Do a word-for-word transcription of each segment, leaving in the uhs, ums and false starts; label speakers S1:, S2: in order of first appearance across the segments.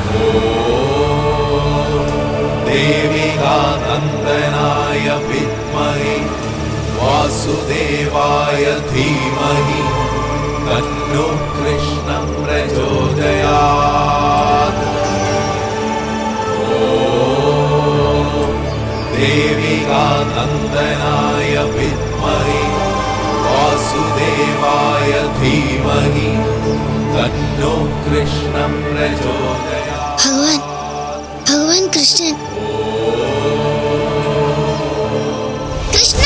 S1: देविकानन्दनाय विद्महे वासुदेवाय धीमहि तन्नो कृष्णं प्रचोदयात्। देविकानन्दनाय विद्महे वासुदेवाय धीमहि तन्नो कृष्णं प्रचोदयात्।
S2: भगवान भगवान कृष्णन कृष्ण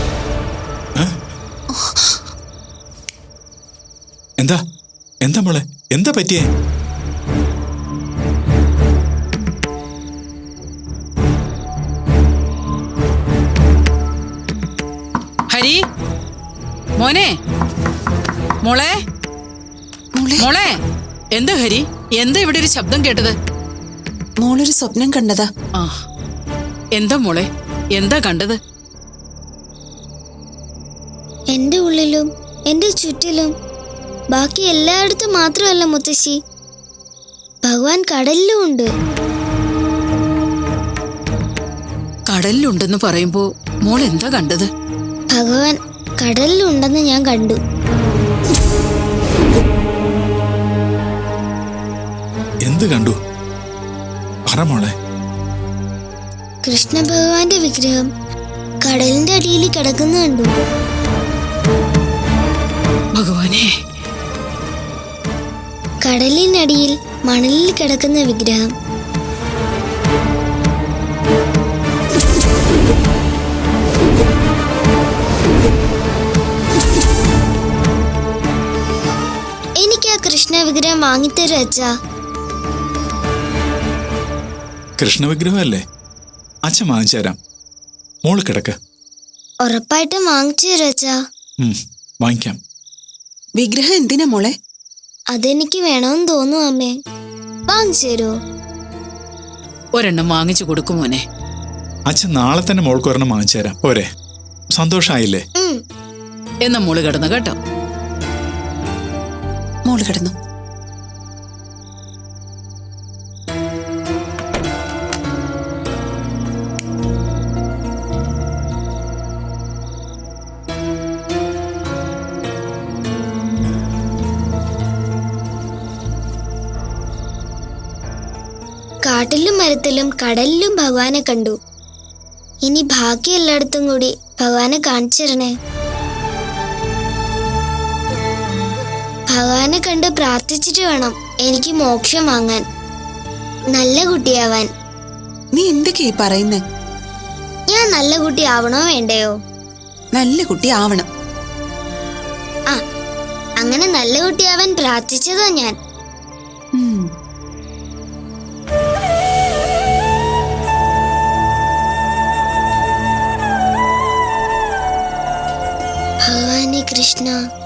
S3: എന്താ എന്താ മോളെ എന്താ പറ്റിയേ?
S4: ഹരി മോനെ മോളെ മോളെ എന്താ ഹരി എന്താ ഇവിടെ ഒരു ശബ്ദം കേട്ടത്?
S5: മോളൊരു സ്വപ്നം കണ്ടതാ.
S4: ആ എന്താ മോളെ എന്താ കണ്ടത്?
S2: എന്റെ ഉള്ളിലും എന്റെ ചുറ്റിലും ബാക്കി എല്ലായിടത്തും മാത്രമല്ല മുത്തശ്ശി, ഭഗവാൻ കടലിലും ഉണ്ട്.
S4: കടലിലുണ്ടെന്ന് പറയുമ്പോ മോൾ എന്താ കണ്ടത്?
S2: ഭഗവാൻ കടലിലുണ്ടെന്ന് ഞാൻ കണ്ടു.
S3: എന്ത് കണ്ടു? പറ മോളെ.
S2: കൃഷ്ണ ഭഗവാന്റെ വിഗ്രഹം കടലിന്റെ അടിയിൽ കിടക്കുന്ന കണ്ടു.
S4: ഭഗവാനെ,
S2: കടലിനടിയിൽ മണലിൽ കിടക്കുന്ന വിഗ്രഹം. എനിക്ക് ആ കൃഷ്ണ വിഗ്രഹം വാങ്ങിത്തരും അച്ഛാ.
S3: കൃഷ്ണ വിഗ്രഹമല്ലേ? അച്ഛൻ വാങ്ങിച്ചു തരാം. മോള് കിടക്ക്.
S2: ഉറപ്പായിട്ടും വാങ്ങിച്ചു തരും അച്ഛാ.
S3: വാങ്ങിക്കാം.
S5: വിഗ്രഹം എന്തിനാ മോളെ?
S2: അതെനിക്ക് വേണമെന്ന് തോന്നുന്നു അമ്മേ. വാങ്ങിച്ചു തരുമോ?
S4: ഒരെണ്ണം വാങ്ങിച്ചു കൊടുക്കും മോനെ.
S3: അച്ഛൻ നാളെ തന്നെ മോൾക്ക് ഒരെണ്ണം വാങ്ങിച്ചു തരാം. പോരെ? സന്തോഷായില്ലേ?
S4: എന്നാ മോള് കിടന്നു കേട്ടോ.
S5: മോള് കിടന്നു.
S2: കാട്ടിലും മരത്തിലും കടലിലും ഭഗവാനെ കണ്ടു. ഇനി ബാക്കി എല്ലായിടത്തും കൂടി ഭഗവാനെ കാണിച്ചു തരണേ. ഭഗവാനെ കണ്ട് പ്രാർത്ഥിച്ചിട്ട് വേണം എനിക്ക് മോക്ഷം വാങ്ങാൻ, നല്ല കുട്ടിയാവാൻ.
S5: നീ എന്തൊക്കെയാ പറയുന്നേ?
S2: ഞാൻ നല്ല കുട്ടി ആവണോ വേണ്ടയോ?
S5: നല്ല കുട്ടി ആവണം.
S2: ആ അങ്ങനെ നല്ല കുട്ടിയാവാൻ പ്രാർത്ഥിച്ചതാ ഞാൻ. ഭഗവാനെ കൃഷ്ണ.